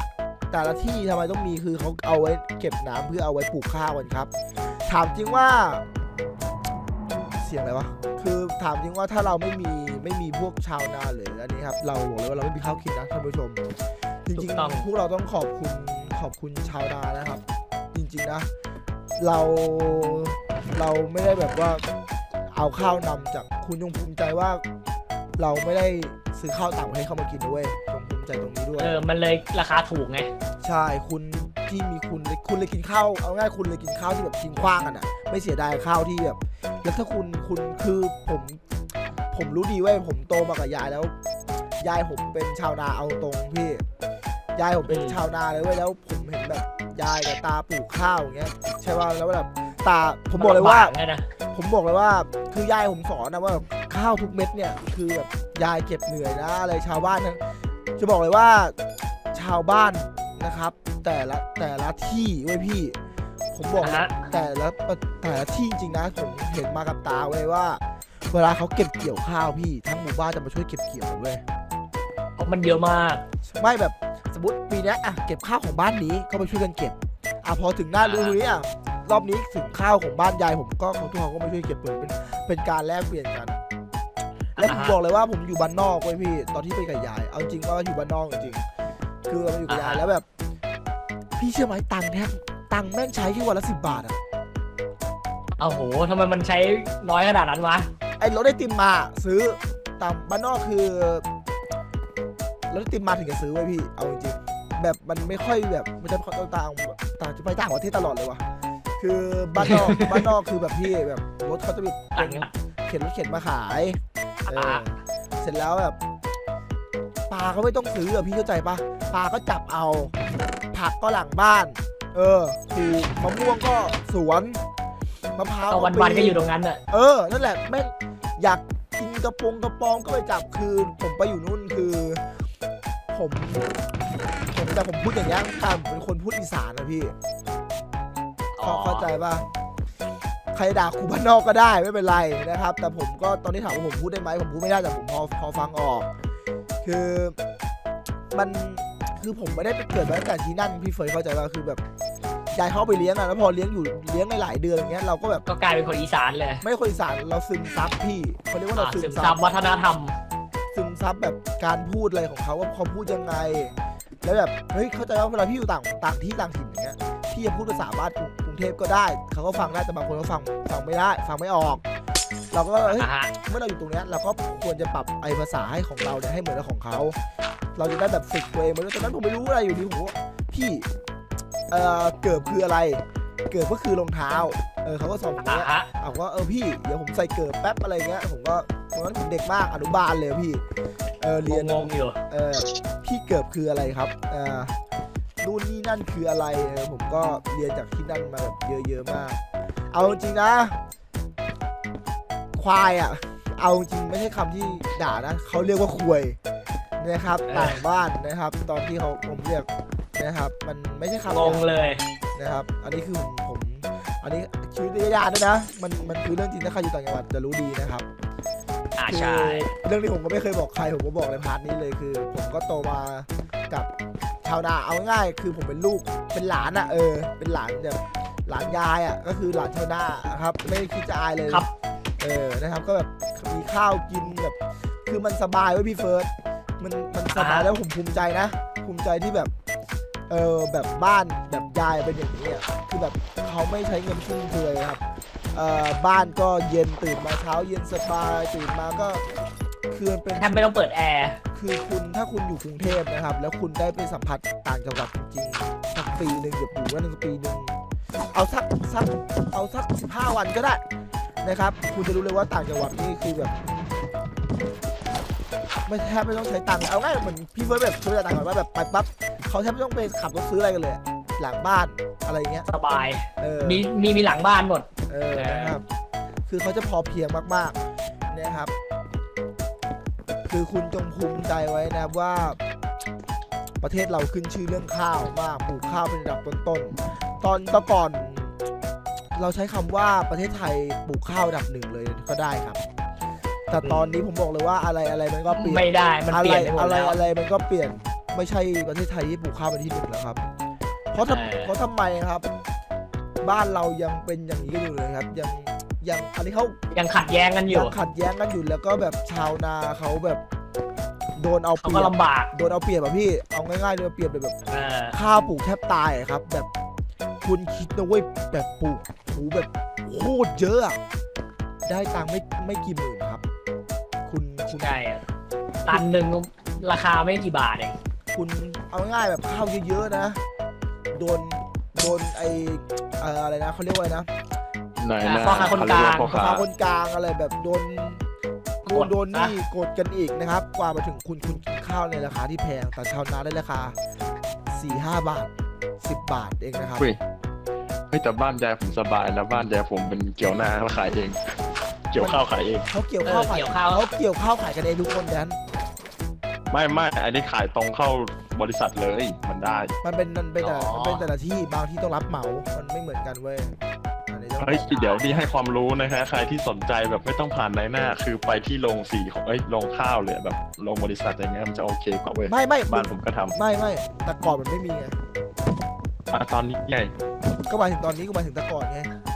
[SPEAKER 1] แต่ละที่ทำไมต้องมีคือเขาเอาไว้เก็บน้ำเพื่อเอาไว้ปลูกข้าวกันครับถามจริงว่าเสียงอะไรวะคือถามจริงว่าถ้าเราไม่มีไม่มีพวกชาวนาเลยอันนี้ครับเราบอกเลยว่าเราไม่มีข้าวกินนะท่านผู้ชมจริงๆพวกเราต้องขอบคุณขอบคุณชาวนานะครับจริงๆนะเราเราไม่ได้แบบว่าเอาข้าวนำจากคุณจงภูมิใจว่าเราไม่ได้ซื้อข้าวต่างประเทศเข้ามากินด้วยจงภูมิใจตรงนี้ด้วย
[SPEAKER 2] เออมันเลยราคาถูกไง
[SPEAKER 1] ใช่คุณที่มีคุณคุณเลยกินข้าวเอาง่ายคุณเลยกินข้าวที่แบบทิ้งขว้างกันอ่ะไม่เสียดายข้าวที่แบบแล้วถ้าคุณคุณคือผมผมรู้ดีว่าผมโตมากับยายแล้วยายผมเป็นชาวนาเอาตรงพี่ยายผมเป็นชาวนาเลยเว้ยแล้วผมเห็นแบบยายกับตาปลูกข้าวอย่างเงี้ยใช่ป่ะแล้วแบบตาผมบอกเลยว่าผมบอกเลยว่าคือยายผมสอนนะว่าข้าวทุกเม็ดเนี่ยคือแบบยายเก็บเหนื่อยนะอะไรชาวบ้านนะจะบอกเลยว่าชาวบ้านนะครับแต่ละแต่ละที่เว้ยพี่ผมบอกนะแต่ละแต่ละที่จริงๆนะผมเห็นมากับตาเว้ยว่าเวลาเขาเก็บเกี่ยวข้าวพี่ทั้งหมู่บ้านจะมาช่วยเก็บเกี่ยวเว้ย
[SPEAKER 2] เพราะมันเยอะมาก
[SPEAKER 1] ไม่แบบสมมติปีนี้อ่ะเก็บข้าวของบ้านนี้ก็ไปช่วยกันเก็บอ่ะพอถึงหน้าฤดูนี้อ่ะรอบนี้ถึงข้าวของบ้านยายผมก็เขาทุกคนก็มาช่วยเก็บเหมือนเป็นเป็นการแลกเปลี่ยนกันและผมบอกเลยว่าผมอยู่บ้านนอกเว้ยพี่ตอนที่ไปกับยายเอาจริงก็อยู่บ้านนอกจริงคือเราอยู่กับยายแล้วแบบพี่เชื่อไหมตังค์แทบตังค์แม่งใช้แค่วันละสิบบาทอะ
[SPEAKER 2] เอาโหทำไมมันใช้น้อยขนาดนั้นวะ
[SPEAKER 1] ไอ้รถไอติมมาซื้อตามบ้านนอกคือรถไอติมมาถึงจะซื้อไว้พี่เอาจริงแบบมันไม่ค่อยแบบมันจะต่างต่างต่างจะไปต่างประเทศตลอดเลยวะคือบ้านนอกบ้านนอกคือแบบพี่แบบรถเขาจะมีเข็นรถเข็นมาขายเออเสร็จแล้วแบบปลาเขาไม่ต้องซื้ออะพี่เข้าใจปะปลาก็จับเอาผักก็หลังบ้านเออปลูกมะม่วงก็สวนมะพร้าว
[SPEAKER 2] วันวันก็อยู่ตรงนั้นอะ
[SPEAKER 1] เออนั่นแหละแม่งอยากกินกระปงกระปองก็ไปจับคือผมไปอยู่นู่นคือผมผมแต่ผมพูดอย่างนี้แต่ผมเป็นคนพูดอีสานนะพี่เข้าใจป่ะใครด่ากูบ้านนอกก็ได้ไม่เป็นไรนะครับแต่ผมก็ตอนนี้ถามว่าผมพูดได้ไหมผมพูดไม่ได้แต่ผมพอพอฟังออกคือมันคือผมไม่ได้ไปเกิดมาตั้งแต่ที่นั่นพี่เฟยเข้าใจป่ะคือแบบยายเขาไปเลี้ยงอะแล้วพอเลี้ยงอยู่เลี้ยงในหลายเดือนอย่างเงี้ยเราก็แบบ
[SPEAKER 2] ก็กลายเป็นคนอีสานเลย
[SPEAKER 1] ไม่คนอีสานเราซึมซับพี่เขาเรียกว่าเรา
[SPEAKER 2] ซึมซับวัฒนธรรม
[SPEAKER 1] ซึมซับแบบการพูดอะไรของเขาว่าเขาพูดยังไงแล้วแบบเฮ้ยเข้าใจว่าเวลาพี่อยู่ต่างต่างที่ต่างถิ่นอย่างเงี้ยพี่จะพูดภาษาบ้านกรุงเทพก็ได้เขาก็ฟังได้แต่บางคนเขาฟังฟังไม่ได้ฟังไม่ออกเราก็เฮ้ยเมื่อเราอยู่ตรงนี้เราก็ควรจะปรับไอภาษาให้ของเราเนี่ยให้เหมือนกับของเขาเราจะได้แบบฝึกตัวเองเหมือนตอนนั้นผมไม่รู้อะไรอยู่ดีผมว่าพี่เอ่อเกิบคืออะไรเกิบก็คือรองเท้าเออเขาก็สอนผมว่าเอาว่าเออพี่เดี๋ยวผมใส่เกิบแป๊บอะไรเงี้ยผมก็ตอนนั้นผมเด็กมากอนุบาลเลยพี่เออเรียน
[SPEAKER 2] งงอยู่
[SPEAKER 1] เออพี่เกิบคืออะไรครับอ่านู่นนี่นั่นคืออะไรเออผมก็เรียนจากที่นั่นมาแบบเยอะๆมากเอาจริงนะควายอ่ะเอาจริงไม่ใช่คำที่ด่านะเขาเรียกว่าควยนะครับต่างบ้านนะครับตอนที่เขาผมเรียกนะครับมันไม่ใช่คำ
[SPEAKER 2] งงเลย
[SPEAKER 1] นะครับอันนี้คือผมผมอันนี้ชีวิตญาติด้วยนะมันมันคือเรื่องจริงถ้าใครอยู่ต่างจังหวัดจะรู้ดีนะครับ
[SPEAKER 2] อ่าใช่
[SPEAKER 1] เรื่องนี้ผมก็ไม่เคยบอกใครผมก็บอกในพาร์ทนี้เลยคือผมก็โตมากับชาวนาเอาง่ายคือผมเป็นลูกเป็นหลานอ่ะเออเป็นหลานแบบหลานยายอ่ะก็คือหลานชาวนาครับไม่ได้คิดจะอายเลย
[SPEAKER 2] ครับ
[SPEAKER 1] เออนะครับก็แบบมีข้าวกินแบบคือมันสบายไว้พี่เฟิร์สมันมันสบายแล้วผมภูมิใจนะภูมิใจที่แบบเออแบบบ้านแบบยายเป็นอย่างนี้อ่ะคือแบบเขาไม่ใช้เงินฟุ่มเฟือยครับเอ่อบ้านก็เย็นตื่นมาเช้าเย็นสบายตื่นมาก็คือเป็น
[SPEAKER 2] แทบไม่ต้องเปิดแอร์
[SPEAKER 1] คือคุณถ้าคุณอยู่กรุงเทพนะครับแล้วคุณได้ไปสัมผัสต่างจังหวัดจริงๆสักปีหนึ่งเกือบอยู่ว่าหนึ่งปีหนึ่งเอาสักสักเอาสักสิบห้าวันก็ได้นะครับคุณจะรู้เลยว่าต่างจังหวัดนี่คือแบบไม่แทบไม่ต้องใช้ตังค์เอาง่ายเหมือนพี่เฟิร์สแบบช่วยต่างจังหวัดว่าแบบไปปั๊บเขาแทบไม่ต้องไปขับรถซื้ออะไรกันเลยหลังบ้านอะไรเงี้ย
[SPEAKER 2] สบาย
[SPEAKER 1] เออ
[SPEAKER 2] มีมีมีหลังบ้านหมด
[SPEAKER 1] เออนะครับคือเขาจะพอเพียงมากๆนะครับคือคุณจงภูมิใจไว้นะว่าประเทศเราขึ้นชื่อเรื่องข้าวมากปลูกข้าวเป็นระดับต้นๆตอนตะก่อนเราใช้คำว่าประเทศไทยปลูกข้าวระดับหนึ่งเลยก็ได้ครับแต่ตอนนี้ผมบอกเลยว่าอะไรอะไรมันก็เปลี่ยน
[SPEAKER 2] ไม่ได้มันเปลี่ยน
[SPEAKER 1] อะไรอะไรมันก็เปลี่ยนไม่ใช่ประเทศไทยที่ปลูกข้าวเป็นที่หนึ่งแล้วครับ เพราะทำเพราะทำไมครับ บ้านเรายังเป็นอย่างนี้กันอยู่เลยครับ ยังยังอันนี้เขา
[SPEAKER 2] ยังขัดแย้งกันอยู่
[SPEAKER 1] ยังขัดแย้งกันอยู่แล้วก็แบบชาวนาเขาแบบโดนเอาเป
[SPEAKER 2] เขา
[SPEAKER 1] รี
[SPEAKER 2] ก็
[SPEAKER 1] ยบ
[SPEAKER 2] ลำบาก
[SPEAKER 1] โดนเอาเปรียบอะพี่เอาง่ายๆโดนเอาเปรียบเลยแบบ
[SPEAKER 2] เออ
[SPEAKER 1] ข้าวปลูกแทบตายอะครับ แบบคุณคิดนะเว้ยแบบปลูกหูแบบโคตรเยอะอะได้ตังค์ไม่ไม่กี่หมื่นครับ คุณคุณ
[SPEAKER 2] ใช่อะตันหนึ่งราคาไม่กี่บาทเอง
[SPEAKER 1] คุณเอาง่ายๆแบบข้าวเยอะๆนะโดนโดนไอเอ่ออะไรนะเขาเรียกว่าอะไรนะ
[SPEAKER 3] ไหนนะ
[SPEAKER 2] พ่อค้าคนกลาง
[SPEAKER 3] พ่อ
[SPEAKER 1] รา
[SPEAKER 3] ค้า
[SPEAKER 1] คาคนกลางอะไรแบบโดนโดนโดนนี่กดกันอีกนะครับ กว่ามาถึงคุณคุณกินข้าวในราคาที่แพงแต่ชาวนาได้ราคา สี่ห้า บาท สิบ บาทเองนะครับ
[SPEAKER 3] เฮ้ยเฮ้ยแต่บ้านยายผมสบายนะบ้านยายผมเป็นเกี่ยวนาขายเองเกี่ยวข้าวขายเอง
[SPEAKER 1] เขาเกี่ยวข้าวขาย
[SPEAKER 2] เกี่ยวข้าว
[SPEAKER 1] เขาเกี่ยวข้าวขายกันเองทุกคนแดน
[SPEAKER 3] ไม่ไม่อันนี้ขายตรงเข้าบริษัทเลยมันได้
[SPEAKER 1] มันเป็นมันเป็นแต่
[SPEAKER 2] อ๋อ
[SPEAKER 1] มันเป็นแต่ละที่บางที่ต้องรับเหมามันไม่เหมือนกันเว้ยอันนี้ต้อง
[SPEAKER 3] เฮ้ยเดี๋ยวนี่ให้ความรู้นะฮะใครที่สนใจแบบไม่ต้องผ่านนายหน้า คือไปที่โรงสีของเอ้ยโรงข้าวเลยแบบโรงบริษัทอย่างเงี้ยมันจะโอเคกว่าเว้ย
[SPEAKER 1] ไม่ไม่
[SPEAKER 3] บ้านผมก็ทำ
[SPEAKER 1] ไม่ไม่แต่ก่อนมันไม่มีไง
[SPEAKER 3] อ่ะตอนนี้ไง
[SPEAKER 1] ก็หมายถึงตอนนี้ก็หมายถึงแต่ก่อนไง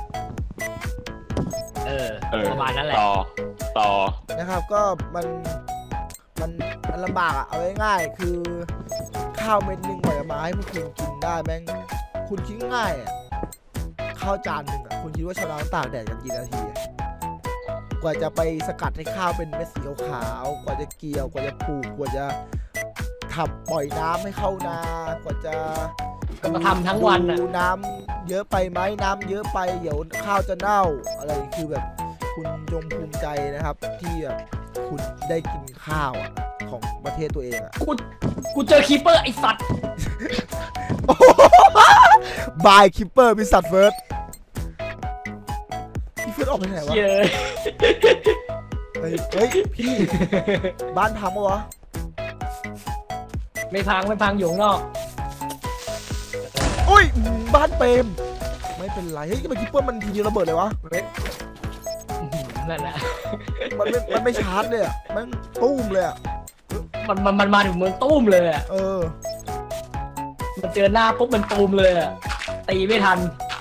[SPEAKER 2] เออ
[SPEAKER 3] เออ
[SPEAKER 2] ประมาณนั้นแหละ
[SPEAKER 3] ต่อต่อ
[SPEAKER 1] นะครับก็มันมันมันลำบากอะเอาง่ายๆคือข้าวเม็ดหนึ่งกว่าจะมาให้พวกคุณกินได้แม่งคุณคิดง่ายอะข้าวจานหนึ่งอะคุณคิดว่าชาวนาต้องตากแดดกันกี่นาทีอะกว่าจะไปสกัดให้ข้าวเป็นเม็ดสีขาวๆกว่าจะเกี่ยวกว่าจะปลูกกว่าจะทำปล่อยน้ำให้เข้านากว่าจะ
[SPEAKER 2] ก็ทำทั้งวันน่ะ
[SPEAKER 1] ดูน้ำเยอะไปไหมน้ำเยอะไปเดี๋ยวข้าวจะเน่าอะไรคือแบบคุณจงภูมิใจนะครับที่แบบคุณได้กินข้าวอะของประเทศตัวเองอะ
[SPEAKER 2] กูกูเจอคีเปอร์ไอสัตว์
[SPEAKER 1] บายคิปเปอร์บิสัตเฟิร์สพี่เฟิร์สออกไปไหนวะ
[SPEAKER 2] เย้ย
[SPEAKER 1] เฮ้ยเฮ้ยพี่บ้านพังปะวะ
[SPEAKER 2] ไม่พังไม่พังอยู่ข้างนอก
[SPEAKER 1] อุ้ยบ้านเปรมไม่เป็นไรเฮ้ยทำไมคิปเปอร์มันทีเดียวระเบิดเลยวะ
[SPEAKER 2] อื้อหือนั่นแหละ
[SPEAKER 1] มันไม่มันไม่ชาร์จเลยอะมันตุ้มเลยอะ
[SPEAKER 2] มันมันมันมาถึงเมืองตุ้มเลยอ่ะ
[SPEAKER 1] เออ
[SPEAKER 2] มันเจอหน้าปุ๊บมันตูมเลยอ่ะตีไม่ทัน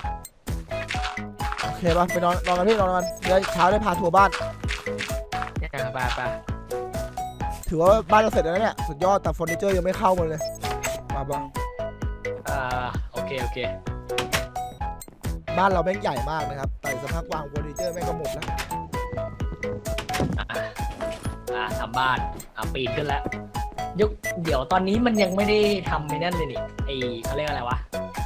[SPEAKER 1] โอเคปะไปนอนนอนกันพี่นอนกันเดี๋ยวเช้าได้พาทัวร์บ้าน
[SPEAKER 2] ไปไป
[SPEAKER 1] ถือว่าบ้านเราเสร็จแล้วเนี่ยสุดยอดแต่เฟอร์นิเจอร์ยังไม่เข้ามาเลยมาปะ
[SPEAKER 2] อ่าโอเคโอเค
[SPEAKER 1] บ้านเราแม่งใหญ่มากนะครับแต่สภาพวางเฟอร์นิเจอร์แม่งก็หมดแล้ว
[SPEAKER 2] อ่าอ่าทำบ้านอ่าปีนขึ้นแล้วยุคเดี๋ยวตอนนี้มันยังไม่ได้ทำไอ้นั่นเลยนี่ไอเขาเรียกอะไรวะ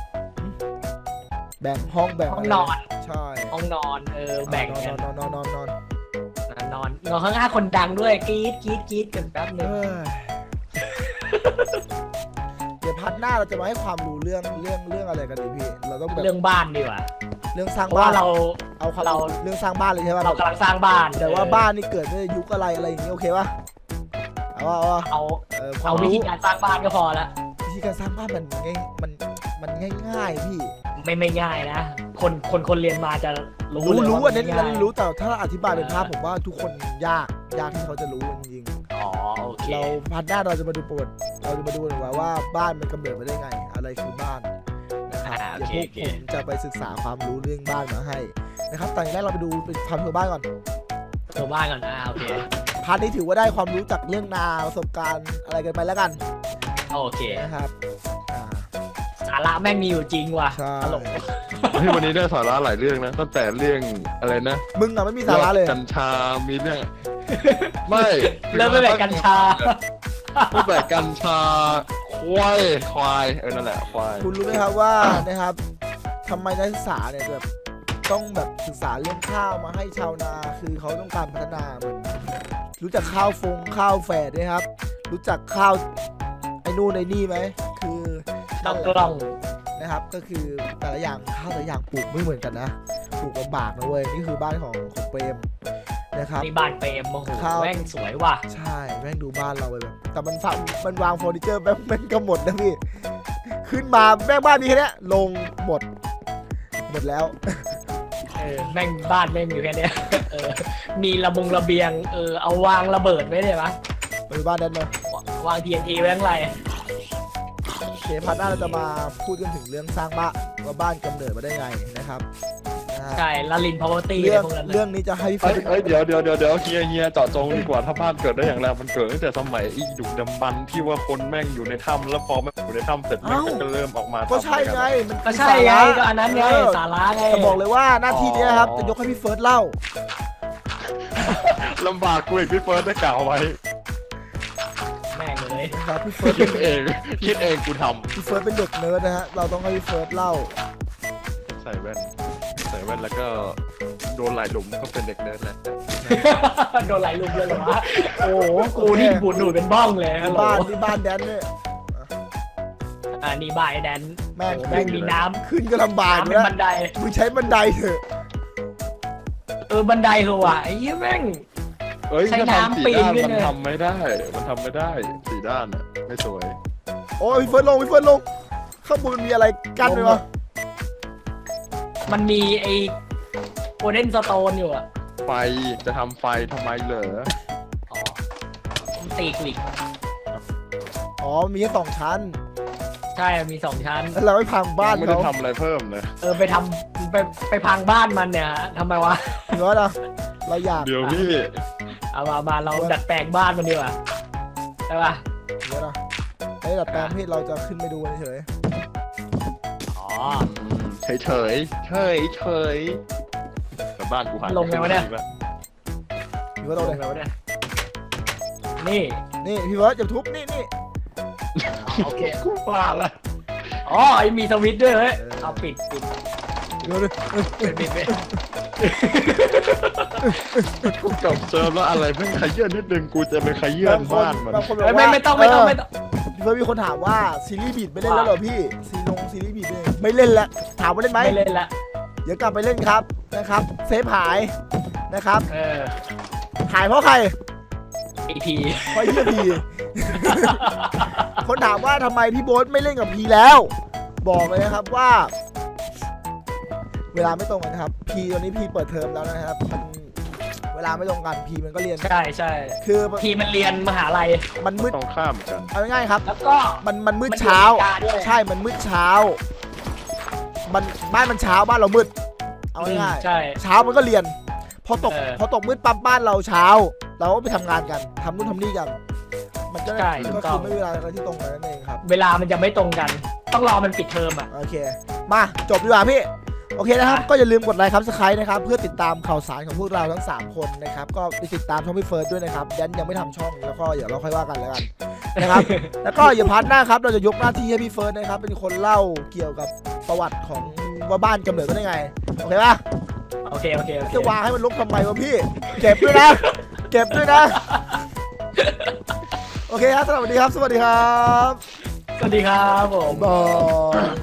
[SPEAKER 1] แบ่งห้องแบ่ง
[SPEAKER 2] ห้อง
[SPEAKER 1] ะไร
[SPEAKER 2] นอน
[SPEAKER 1] ใช่
[SPEAKER 2] ห้องนอนเออแบ่ง
[SPEAKER 1] น
[SPEAKER 2] กัน
[SPEAKER 1] อนนอนนอนนอน
[SPEAKER 2] นอนนอนข้างหน้าคนดังด้วยกรี๊ดกรี๊ดกรี๊ดกันแป๊บนึ
[SPEAKER 1] เอง อเดี๋ยวพัดหน้าเราจะมาให้ความรู้เรื่องเรื่องเรื่องอะไรกันดีพี่เราต้องแบบ
[SPEAKER 2] เรื่องบ้านดีกว่า
[SPEAKER 1] เรื่องสร้าง
[SPEAKER 2] เพราะ
[SPEAKER 1] บ้า
[SPEAKER 2] ว่าน เรา
[SPEAKER 1] เอาความ
[SPEAKER 2] เรา
[SPEAKER 1] เรื่องสร้างบ้านเลยใช่ป่ะ
[SPEAKER 2] เรากำลังสร้างบ้าน
[SPEAKER 1] แต่ว่าบ้านนี่เกิดในยุคอะไรอะไรอย่างนี้โอเคป่ะเอาว่าเอาว่า
[SPEAKER 2] เอา
[SPEAKER 1] เออควา
[SPEAKER 2] เอา
[SPEAKER 1] ม
[SPEAKER 2] วิ
[SPEAKER 1] รู้
[SPEAKER 2] ธีการสร้างบ้านก็พอละ
[SPEAKER 1] วิธีการสร้างบ้านมันง่ายมันมันง่ายๆพี่
[SPEAKER 2] ไม่ไม่ง่ายนะ คนคนคนเรียนมาจะรู้
[SPEAKER 1] รู้
[SPEAKER 2] เลย
[SPEAKER 1] รู้
[SPEAKER 2] ว่า
[SPEAKER 1] อันนี้
[SPEAKER 2] ไม่
[SPEAKER 1] เรา
[SPEAKER 2] ง่าย
[SPEAKER 1] รู้แต่ถ้าอธิบายเป็นภาพผมว่าทุกคนยากยากที่เขาจะรู้จริง
[SPEAKER 2] อ๋อโอเค
[SPEAKER 1] ๆเราพัดหน้าเราจะมาดูประวัติเราจะมาดูกันว่าว่าบ้านมันกำเนิดมาได้ไง อะไรคือบ้านนะครับ
[SPEAKER 2] อ่าโอ
[SPEAKER 1] เดี๋ยว
[SPEAKER 2] เค
[SPEAKER 1] พวก
[SPEAKER 2] โอเค
[SPEAKER 1] ผมจะไปศึกษาความรู้เรื่องบ้านมาให้นะครับแต่อย่างแรกเราไปดูเป็นความรู้บ้านก่อน
[SPEAKER 2] ตัวบ้านก่อนนะโอเค
[SPEAKER 1] พาร์ทนี้ถือว่าได้ความรู้จากเรื่องนาประสบการณ์อะไรกันไปแล้วกัน
[SPEAKER 2] โอเค
[SPEAKER 1] นะครับอ่า
[SPEAKER 2] สาระแม่งมีอยู่จริงว่ะ
[SPEAKER 1] ใช่
[SPEAKER 2] ตลก
[SPEAKER 3] เฮ้ยวันนี้ได้สาระหลายเรื่องนะตั้งแต่เรื่องอะไรนะ
[SPEAKER 1] มึงอะไม่มีสาระเลย
[SPEAKER 3] กัญชามีเรื่องไม่
[SPEAKER 2] เริ่มตั้งแต่กัญชา
[SPEAKER 3] ตั้งแต่กัญชาควายควายเออนั่นแหละควาย
[SPEAKER 1] คุณรู้ไหมครับว่านะครับทำไมนักศึกษาเนี่ยแบบต้องแบบศึกษาเรื่องข้าวมาให้ชาวนาคือเขาต้องการพัฒนาเหมือนรู้จักข้าวฟงข้าวแฝดไหมครับ รู้จักข้าวไอ้นู่นไอ้นี่ไหมคือ
[SPEAKER 2] ต้องกล้อง
[SPEAKER 1] นะครับก็คือแต่ละอย่างข้าวแต่ละอย่างปลูกไม่เหมือนกันนะปลูกลำบากนะเว้ยนี่คือบ้านของของเปรมนะครับ
[SPEAKER 2] นี่บ้านเปรมโอ้โห
[SPEAKER 1] ข้าว
[SPEAKER 2] แม่งสวยว่ะ
[SPEAKER 1] ใช่แม่งดูบ้านเราไปแบบแต่มันฝังมันวางเฟอร์นิเจอร์แม่งแม่งก็หมดนะพี่ขึ้นมาแม่งบ้านมีแค่เนี้ยลงหมดหมดแล้ว
[SPEAKER 2] เออแม่งบ้านแม่งอยู่แค่เนี้ยเออมีระบงระเบียงเออเอาวางระเบิดไว้เลยปะ
[SPEAKER 1] ไปบ้านนั้นมาว
[SPEAKER 2] าง ที เอ็น ที ไว้ข้างใน
[SPEAKER 1] เคพาร์ทหน้าเราจะมาพูดกันถึงเรื่องสร้างบ้านว่าบ้านกำเนิดมาได้ไงนะครับนะฮะ
[SPEAKER 2] ใช่ลาลินพาวเวอร์ตี้
[SPEAKER 1] เรื่อง
[SPEAKER 2] พวกนั้นเลย
[SPEAKER 1] เรื่องนี้จะให้พี่เฟิ
[SPEAKER 3] เอ้
[SPEAKER 1] ร์
[SPEAKER 3] ย
[SPEAKER 1] ส
[SPEAKER 3] เอ้ยเดี๋ยวเดี๋ยวเดี๋ยวเดี๋ยวเฮียเฮียเจาะจงดีกว่าถ้าบ้านเกิดได้อย่างไรมันเกิดตั้งแต่สมัยอีดุกดำบรรพ์ที่ว่าคนแม่งอยู่ในถ้ำแล้วพอแม่งอยู่ในถ้ำเสร็จแม่งก็เริ่มออกมา
[SPEAKER 1] ก็ใช่
[SPEAKER 3] ทำอะ
[SPEAKER 1] ไง
[SPEAKER 3] รกัน
[SPEAKER 1] มัน
[SPEAKER 2] ก็ใช่ไงก็อันนั้นไง
[SPEAKER 1] เออ
[SPEAKER 2] สาระไง
[SPEAKER 1] แต่บอกเลยว่าหน้าที่เนี้ยครับ
[SPEAKER 3] อ๋อ
[SPEAKER 1] จะยกให้พี่เฟิร์สเล่า
[SPEAKER 3] ลำบากกูอีกพี่เฟิร์สได้กล่าวไว้
[SPEAKER 2] แม่งเลย
[SPEAKER 1] นะครับพี่เฟิร์ส
[SPEAKER 3] คิดเองคิดเองกูท
[SPEAKER 1] พี่เฟิร์สเป็นเด็กเนิร์ดนะฮะเราต้องให้พี่เฟิร์สเล่า
[SPEAKER 3] ำใส่แว่นใส่แว่นแล้วก็โดนหลายหลุมก็เป็นเด็กเนิร์ดแหละ
[SPEAKER 2] โดนไหลลุมเลยเหรอวะโอ้โหกูนี่บูดดูดเป็นบ้องเลยฮัลโหล
[SPEAKER 1] บ้านนี่บ้านแดนเนี่ย
[SPEAKER 2] อ่านี่บ่ายแดน
[SPEAKER 1] แม่ง
[SPEAKER 2] แม่งมีน้
[SPEAKER 1] ขึ้นก็ลำบาก
[SPEAKER 2] ำ
[SPEAKER 1] อยู่
[SPEAKER 2] เป็น
[SPEAKER 1] แล้ว
[SPEAKER 2] บันได
[SPEAKER 1] มึงใช้บันไดเถอะ
[SPEAKER 2] เออบันไดเหรอวะไอ้เหี้ยแม่ง
[SPEAKER 3] เอ้ย
[SPEAKER 2] ใช้
[SPEAKER 3] ถ้าทำ
[SPEAKER 2] น้ำ
[SPEAKER 3] สี
[SPEAKER 2] ปีน
[SPEAKER 3] ด้าน
[SPEAKER 2] ขึ้น
[SPEAKER 3] มัน
[SPEAKER 2] เลย
[SPEAKER 3] ทำไม่ได้ มันทำไม่ได้สีด้านอะไม่สวย
[SPEAKER 1] โอ้ยพี่เฟิร์สลงพี่เฟิร์สลงข้างบนมันมีอะไรกั้นไหมวะ
[SPEAKER 2] มันมีไอ้โกลเด้นสโตนอยู่อะ
[SPEAKER 3] ไฟจะทำไฟทำไมเหรอ
[SPEAKER 2] อ๋อมันตีกลิก
[SPEAKER 1] อ๋อมีแค่สองชั้น
[SPEAKER 2] ใช่มันมีสองชั้น
[SPEAKER 1] แล้วเราไม่พังบ้าน
[SPEAKER 3] ไม่ได้
[SPEAKER 1] เขา
[SPEAKER 3] ทำอะไรเพิ่มเลย
[SPEAKER 2] เออไปทำไปไปพังบ้านมันเนี่ยฮะทำไมวะ
[SPEAKER 1] เดี๋ยวนะเราอยาก
[SPEAKER 3] เดี๋ยวพี่
[SPEAKER 2] เอามามาเราดัดแปลงบ้านมันดีกว่าใช่ปะ
[SPEAKER 1] เดี๋ยวนะไอ้ดัดแปลงที่เราจะขึ้นไปดูเฉย
[SPEAKER 2] อ๋อ
[SPEAKER 3] เฉยเฉยเฉยเฉยแต่บ้านกูหาย
[SPEAKER 2] ลงไงวะเนี่ย
[SPEAKER 1] ๆพี่เฟิร์ส
[SPEAKER 2] ล
[SPEAKER 1] ล
[SPEAKER 2] ง
[SPEAKER 1] งเลย
[SPEAKER 2] ไงวะเนี่ยนี่
[SPEAKER 1] นี่พี่เฟิร์สอย่าทุบนี่นี่
[SPEAKER 2] โอเค
[SPEAKER 3] กูว่าละ
[SPEAKER 2] อ๋อไอมีสวิตช์ด้วยเฮ้ยเอาปิดปิด
[SPEAKER 1] เดี๋ยวเลย
[SPEAKER 2] ปิดปิดปิด
[SPEAKER 3] กูจบเซิร์ฟแล้วอะไรแม่งขยื่นนิดนึงกูจะไปขยื่นบ้านมัน
[SPEAKER 1] บางคนบ
[SPEAKER 2] เฮ้
[SPEAKER 1] อย ก
[SPEAKER 2] ไม่
[SPEAKER 1] ว่า
[SPEAKER 2] ไม่ต้องไม่ต้องไม่ต้อง
[SPEAKER 1] พี่เฟิร์สมีคนถามว่าซีรีส์บีดไม่เล่นแล้วเหรอพี่ซีลงซีรีส์บีดเนี่ยไม่เล่นแล้วถามว่าเล่นไหม
[SPEAKER 2] ไม่เล่นละ
[SPEAKER 1] เดี๋ยวกลับไปเล่นครับนะครับเซฟหายนะครับ
[SPEAKER 2] เออ
[SPEAKER 1] หายเพราะใคร
[SPEAKER 2] ไอพี
[SPEAKER 1] เพราะเฮียพี คนถามว่าทำไมพี่โบ๊ทไม่เล่นกับพีแล้ว บอกเลยนะครับว่า เวลาไม่ตรงกันครับพีตอนนี้พีเปิดเทอมแล้วนะครับมันเวลาไม่ตรงกันพีมันก็เรียน
[SPEAKER 2] ใช่ใช่
[SPEAKER 1] คือ
[SPEAKER 2] พีมันเรียนมหาลัย
[SPEAKER 1] มันมืด
[SPEAKER 3] ต้องข้ามกัน
[SPEAKER 1] เอาง่ายๆครับ
[SPEAKER 2] แล้วก็
[SPEAKER 1] มันมันมืด
[SPEAKER 2] มันอยู่
[SPEAKER 1] เช้า
[SPEAKER 2] อเมริกาด้วย
[SPEAKER 1] ใช่มันมืดเช้า มันบ้านมันเช้าบ้านเรามืดเอาง่าย
[SPEAKER 2] ใช่
[SPEAKER 1] ๆเช้ามันก็เรียน พอตก
[SPEAKER 2] เออ
[SPEAKER 1] พอตกมืดปั๊บบ้านเราเช้า เราก็ไปทำงานกันทำนู่นทำนี่กัน มันก็
[SPEAKER 2] ใช่ถู
[SPEAKER 1] ก็
[SPEAKER 2] กต้
[SPEAKER 1] คือ อง ไม่มีเวลาอะไรที่ตรงกันนั่นเองครับ
[SPEAKER 2] เวลามันจะไม่ตรงกัน ต้องรอมันปิดเทอมอ่ะ
[SPEAKER 1] โอเค มาจบดีกว่าพี่ โอเคนะครับ
[SPEAKER 2] อ่ะ
[SPEAKER 1] ก็อย่าลืมกดไลค์ครับสไครต์นะครับ เพื่อติดตามข่าวสารของพวกเราทั้งสามคนนะครับ ก็ไปติดตามช่องพี่เฟิร์สด้วยนะครับแดนยังไม่ทำช่อง แล้วก็เดี๋ยวเราค่อยว่ากันแล้วกันนะครับ แล้วก็อย่าพลาดหน้าครับ เราจะยกหน้าที่ให้พี่เฟิร์สนะครับ เป็นคนเล่าเกี่ยวกับประวัติของว่าบ้านกำเนิดมาได้ไง โอเคป่ะ
[SPEAKER 2] โอเคโอเคโอเค
[SPEAKER 1] จะวางให้มันลกทำไมวะพี่ เก็บด้วยนะ เก็บด้วยนะ โอเคครับสวัสดีครับ สวัสดีครับ
[SPEAKER 2] สวัสดีครับผม
[SPEAKER 1] บาย